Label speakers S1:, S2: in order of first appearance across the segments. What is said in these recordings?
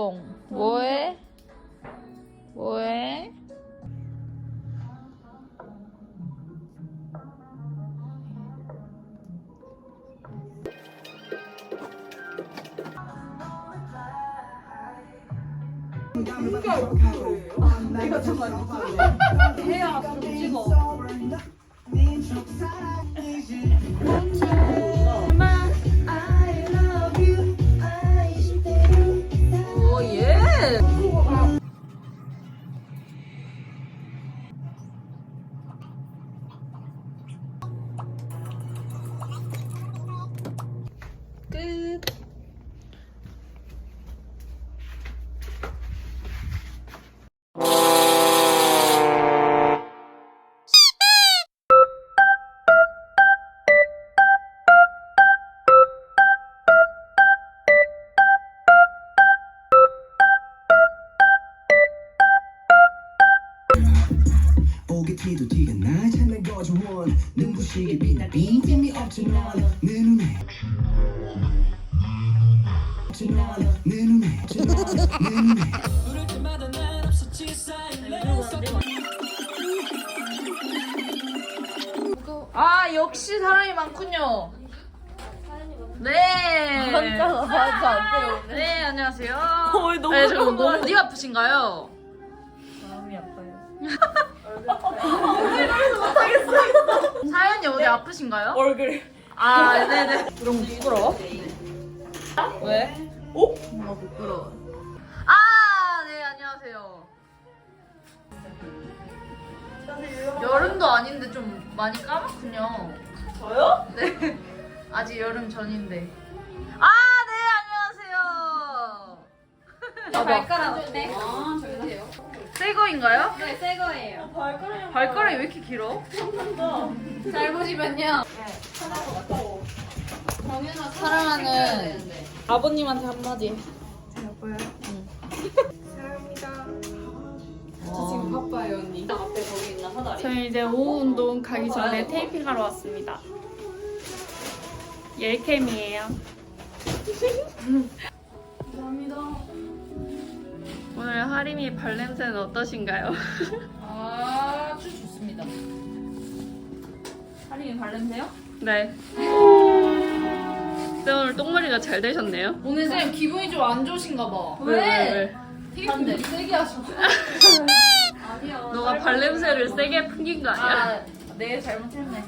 S1: 똥. 뭐해? 뭐해?
S2: 내가 정말 해야 좀 찍어. 오 예. 끝.
S3: 오게티도 티가 나잖아 거저원 눈부시게 빛나 빈틈이 없지 넌내 눈에 내 눈에 부를 때마다 난 없었지
S1: 아 역시 사람이 많군요. 네.
S2: 맞아 안 돼요.
S1: 네 안녕하세요.
S2: 너무
S1: 네, 저 너무 어디 아프신가요?
S2: 마음이 아파요.
S1: 사연이 어디 아프신가요?
S2: 얼굴.
S1: 아 네네.
S2: 그럼 부끄러워? 왜? 오?
S1: 뭔가 부끄러워. 아, 네, 안녕하세요. 여름도 아닌데 좀 많이 까맣군요.
S2: 저요?
S1: 네. 아직 여름 전인데. 아, 네, 안녕하세요.
S2: 발가락 네. 아 저기세요.
S1: 새 거인가요?
S2: 네, 새 거예요.
S1: 발가락이 왜 이렇게 길어?
S2: 잘 보시면요. 사랑하는 아버님한테 한마디.
S4: 여보요. 사랑합니다.
S2: 저 지금 바빠요 언니. 앞에 거기 있나 사다리.
S4: 저희 이제 오후 운동 가기 전에 테이핑하러 왔습니다. 옐캠이에요.
S2: 감사합니다.
S4: 오늘 하림이 발냄새는 어떠신가요?
S2: 아주 좋습니다. 하림이 발냄새요?
S4: 네. 네, 오늘 똥머리가 잘 되셨네요.
S1: 오늘 쌤 기분이 좀 안 좋으신가 봐.
S2: 왜? 되게 세게 하셔. 아니야.
S4: 너가 발냄새를 세게 풍긴 거 아니야?
S1: 아, 네, 잘못했네.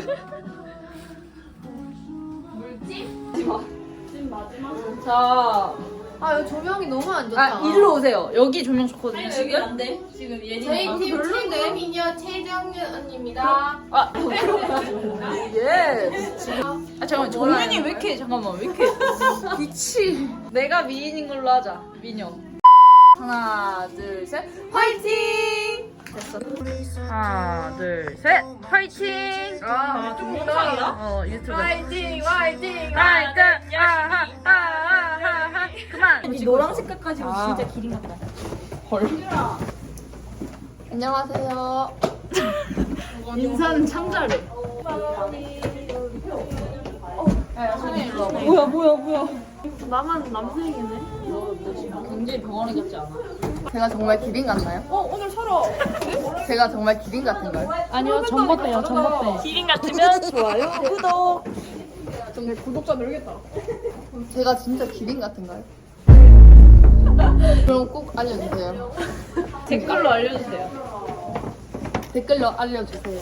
S2: 물찜? 찜 마지막. 자.
S5: 아 여기 조명이 너무 안 좋다.
S1: 아, 일로 오세요. 여기 조명 좋거든요,
S2: 여기
S1: 지금.
S2: 안 돼. 지금 예린이.
S5: 저희 팀
S2: 별론데?
S5: 최고 미녀 최정윤 언니입니다.
S1: 아, 예. 아, 잠깐만, 정윤이 왜 이렇게, 잠깐만, 왜 이렇게. 미치. 내가 미인인 걸로 하자, 미녀. 하나, 둘, 셋, 화이팅! 됐어. 하나, 둘, 셋, 화이팅! 아, 좀
S2: 영상이야?
S1: 유튜브.
S5: 화이팅 화이팅.
S1: 화이팅! 아하하하하. 그만!
S2: 이 노랑 색깔까지
S1: 아.
S2: 진짜 기린 같다.
S5: 안녕하세요.
S1: 인사는 참 잘해.
S2: 뭐야.
S4: 나만 남색이네.
S1: 굉장히 병아리 같지 않아?
S5: 제가 정말 기린 같나요?
S2: 오늘 서로.
S5: 제가 정말 기린 같은가요?
S2: 아니요, 전봇대요, 전봇대.
S4: 기린 같으면
S2: 좋아요, 구독.
S5: 정말 구독자 늘겠다. 제가 진짜 기린 같은가요? 그럼 꼭 알려주세요.
S1: 댓글로 알려주세요.
S5: 댓글로 알려주세요.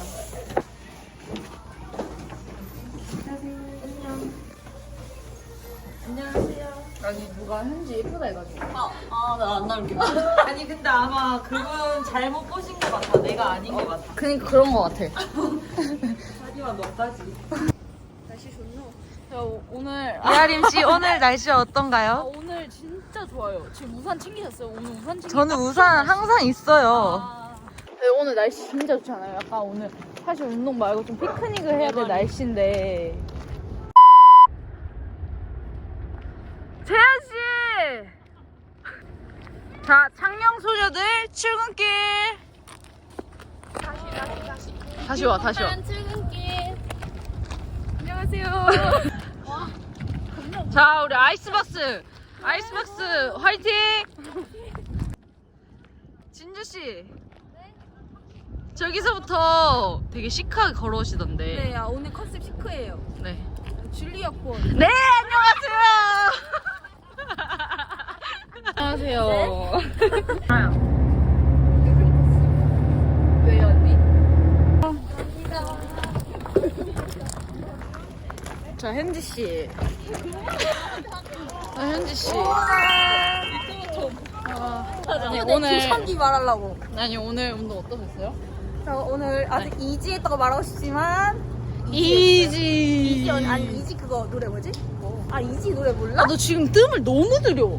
S1: 아니, 누가 현지 예쁘다 해가지고.
S2: 나 안 나올게. 아니, 근데 아마 그분 잘못 보신 것 같아. 내가 아닌 것 같아.
S5: 그니까 그런 거 같아.
S2: 자기와 너까지.
S1: 오늘
S6: 이하림씨 오늘 날씨 어떤가요?
S1: 오늘 진짜 좋아요. 지금 우산 챙기셨어요? 오늘 우산 챙기.
S6: 저는 우산 항상 있어요.
S1: 네, 오늘 날씨 진짜 좋지 않아요? 약간 오늘 사실 운동 말고 좀 피크닉을 해야 될 날씨인데. 재현 씨. 자, 창녕 소녀들 출근길. 다시 와.
S5: 출근길.
S1: 안녕하세요. 자, 우리 아이스버스 아이스박스 화이팅! 진주 씨. 저기서부터 되게 시크하게 걸어오시던데.
S5: 네, 오늘 컨셉 시크해요.
S1: 네.
S5: 줄리아콘.
S1: 네, 안녕하세요. 안녕하세요.
S5: 왜요, 언니?
S1: 자, 현지 씨. 현지 씨. 아니, 오늘
S5: 초창기 말하려고.
S1: 아니 오늘 운동 어떠셨어요?
S5: 저 오늘 아직 이지했다고 말하고 싶지만
S1: 이지.
S5: 아니 이지 그거 노래 뭐지? 아 이지 노래 몰라?
S1: 아, 너 지금 뜸을 너무 들여.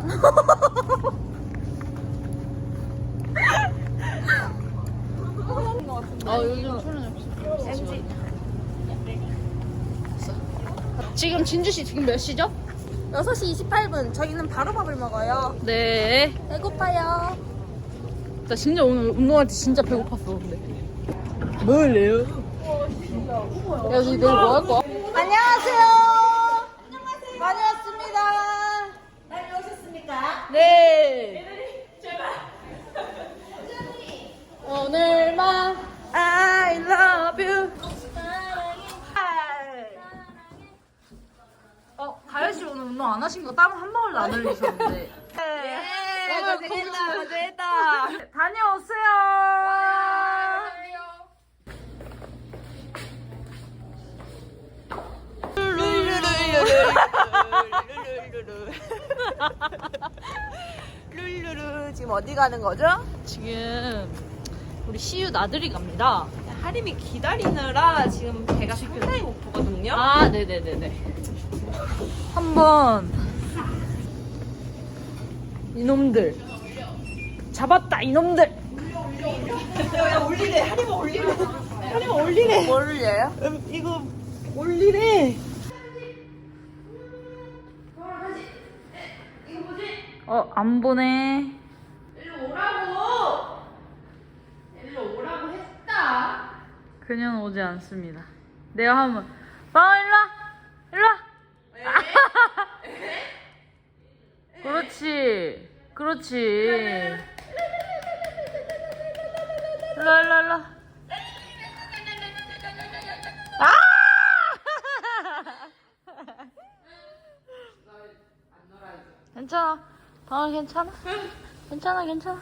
S1: 아, 요즘 소리
S5: MG.
S1: 지금 진주 씨 지금 몇 시죠?
S5: 6시 28분. 저희는 바로 밥을 먹어요.
S1: 네.
S5: 배고파요.
S1: 나 진짜 오늘 운동할 때 진짜 배고팠어. 근데. 뭘래요? 야, 너 내일 뭐 할 거야?
S5: 안녕하세요. 많이 왔습니다. 많이 오셨습니까?
S1: 네. 오늘만 I love you. 가연 씨 오늘 운동 안 하신 거 땀 한 방울도 안 흘리셨는데. 오늘 고생했다. 다녀오세요.
S5: 룰루루 지금 어디 가는 거죠?
S1: 지금 우리 시유 나들이 갑니다.
S2: 하림이 기다리느라 지금 배가 상당히 고프거든요.
S1: 아, 네네네네. 한번 이놈들 잡았다 이놈들.
S2: 야 올리래. 하림아 올리래. 하림아 올리래.
S5: 뭘 올려요?
S2: 이거 올리래.
S1: 안 보네.
S2: 일로 오라고 했다.
S1: 그녀는 오지 않습니다. 내가 하면 일로와 일로와. 그렇지 그렇지. 일로와 괜찮아. 방울 괜찮아? 괜찮아.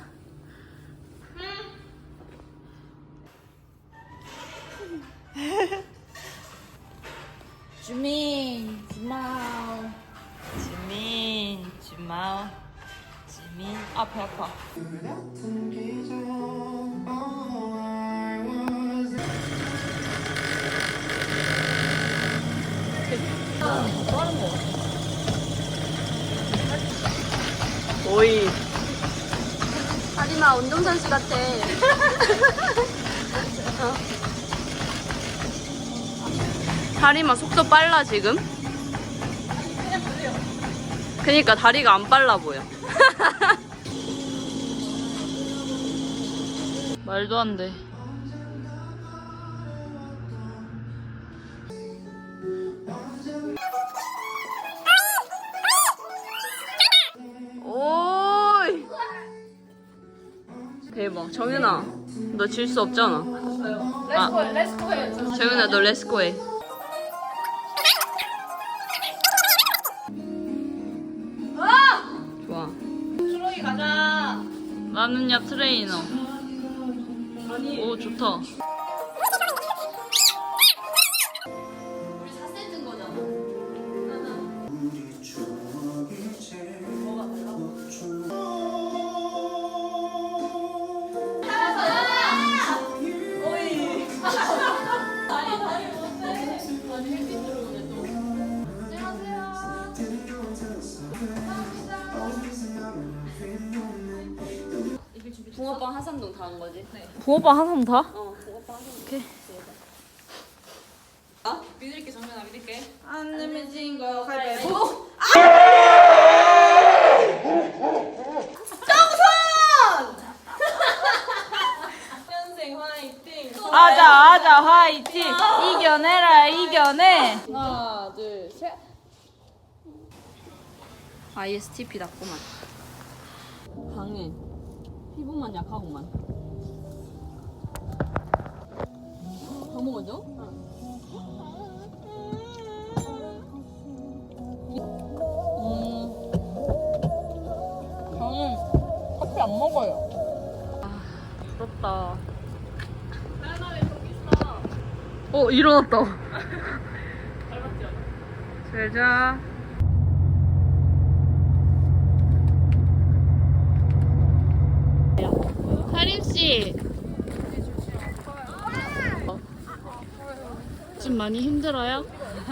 S1: 주민, 주마오. 지민. 아, 배 아파. 오이.
S5: 하림아 운동선수 같아.
S4: 다리만 속도 빨라 지금? 그니까 다리가 안 빨라 보여.
S1: 말도 안 돼.
S4: 오이. 대박. 정윤아, 너 질 수 없잖아.
S5: 렛츠고해.
S4: 정윤아, 너 렛츠고 해. 좋아.
S2: 트로이 가자.
S1: 나는야 트레이너. 오, 좋다.
S4: 붕어빵 하삼동 다 한 거지? 네.
S1: 붕어빵 한상 다?
S4: 붕어빵 하삼동.
S1: 오케이.
S2: 믿을게 정면아 믿을게.
S5: 안 내면 진 거 가위바위보.
S2: 현생 화이팅.
S1: 아자 화이팅. 이겨내라 이겨내. 하나 둘 셋.
S4: ISTP 낫구만. 강해. 피부만 약하구만. 더 먹어줘?
S1: 저는 커피 안 먹어요.
S4: 부럽다. 일어났다. 잘 자. 하림씨. 좀 많이 힘들어요?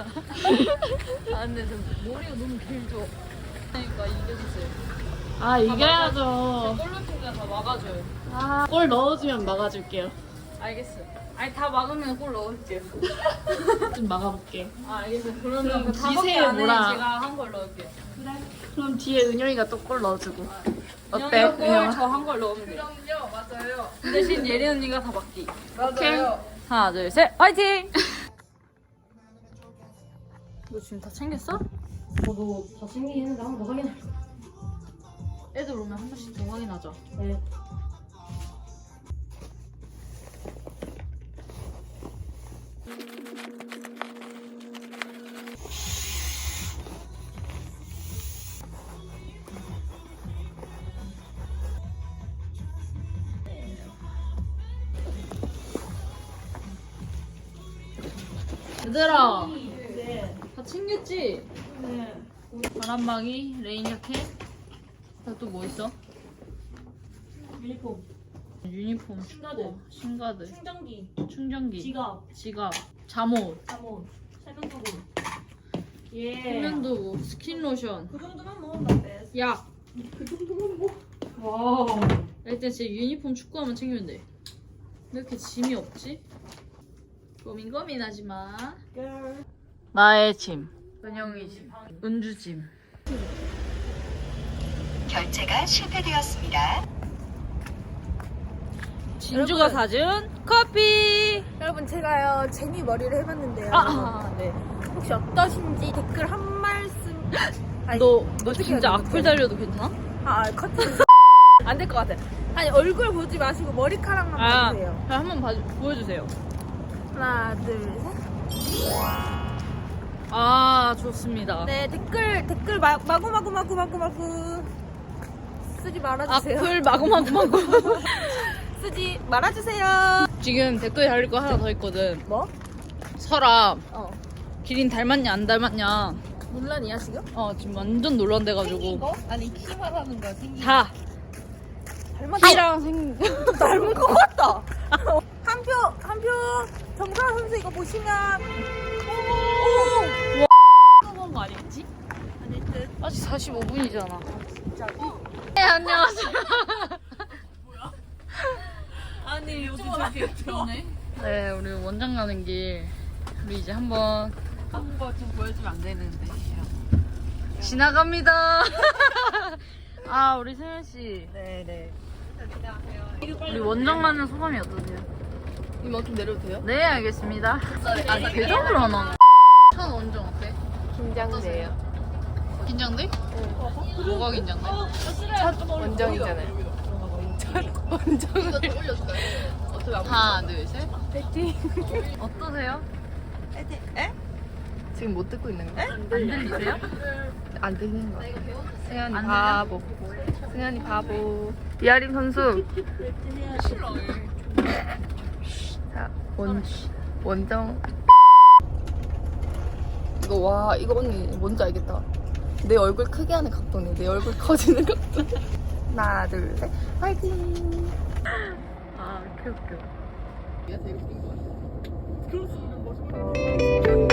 S1: 아 근데 저 머리가 너무 길죠. 그러니까 이겨주세요.
S4: 아, 이겨야죠.
S1: 골로핑가 다 막아줘요.
S4: 골 넣어주면 막아줄게요.
S1: 알겠어. 아니 다 막으면 골 넣을게요.
S4: 좀 막아볼게.
S1: 아 알겠어. 그러면 그
S4: 기세에
S1: 5개 안에
S4: 몰아.
S1: 제가 한 골 넣을게요.
S4: 그럼 뒤에 은영이가 또 골 넣어주고. 어때?
S1: 은영이가 골,
S4: 은영아?
S1: 저 한 골 넣으면 돼요.
S5: 그럼요, 맞아요.
S1: 그 대신 예린 언니가 다 막기.
S5: 맞아요.
S1: 하나 둘 셋 화이팅! 너 지금 다 챙겼어?
S2: 저도 다 챙기긴 했는데 한 번 더 확인할 거예요.
S1: 애들 오면 한 번씩 더 확인하자.
S2: 네.
S1: 얘들아 다 챙겼지? 네. 바람막이, 레인 자켓 또 뭐 있어? 유니폼 신가드, 충전기, 지갑, 잠옷, 세면도구, 스킨로션, 그 정도만 먹으면 돼. 약. 그 정도만 먹. 와. 일단 진짜 유니폼 축구하면 챙기면 돼. 왜 이렇게 짐이 없지? 고민하지 마.
S4: 나의 짐.
S1: 은영이 짐, 은주 짐.
S7: 결제가 실패되었습니다.
S1: 진주가 사준 커피.
S5: 여러분 제가요 제니 머리를 해봤는데요.
S1: 네.
S5: 혹시 어떠신지 댓글 한 말씀. 아니,
S1: 너
S5: 어떻게
S1: 진짜
S5: 해야
S1: 악플 달려도 괜찮아?
S5: 커튼. 안 될 것 같아. 아니 얼굴 보지 마시고 머리카락만 봐주세요.
S1: 그럼 한번 보여주세요.
S5: 하나 둘 셋.
S1: 아 좋습니다.
S5: 네 댓글 마구 쓰지 말아주세요.
S1: 악플 마구마구.
S5: 쓰지 말아주세요.
S1: 지금 댓글 달릴 거 하나 더 있거든.
S5: 뭐?
S1: 설아,
S5: 어
S1: 기린 닮았냐 안 닮았냐?
S5: 논란이야 지금?
S1: 지금 완전 논란돼가지고.
S5: 거? 아니 키만 하는 거야 생긴
S1: 다
S5: 닮았다.
S1: 키랑 생.
S5: 닮은 것 같다. 한 표 정다은 선수 이거 보시면
S1: 먹은 거 아니겠지? 아닐 듯. 아직 45분이잖아. 네 안녕하세요. 뭐야? 아니 요즘 저기 좋네. 네 우리 원장 가는 길 우리 이제 한번
S2: 한거 좀 보여주면 안 되는데.
S1: 지나갑니다. 아 우리 세현 씨.
S2: 네네.
S1: 우리 원장 가는 소감이 어떠세요?
S5: 이만 좀 내려도 돼요?
S1: 네 알겠습니다. 아 대답을 안 하나? 첫 원정 어때?
S5: 긴장돼요.
S1: 긴장돼? 뭐가 긴장돼?
S5: 원정이잖아요.
S1: 하나 둘 셋. 파이팅. 어떠세요?
S5: 지금 못 듣고 있는 거?
S1: 안 들리세요?
S5: 안 듣는 거. 승현이
S1: 안
S5: 바보. 승현이 바보. 이하림 선수. 자, 원정. 이거 언니 뭔지 알겠다. 내 얼굴 크게 하는 각도네. 내 얼굴 커지는 각도. 하나, 둘, 셋. 파이팅!
S1: 아 이렇게 웃겨.
S5: 얘가 되게 웃긴 거 같아. 그럴 수 있는 거죠.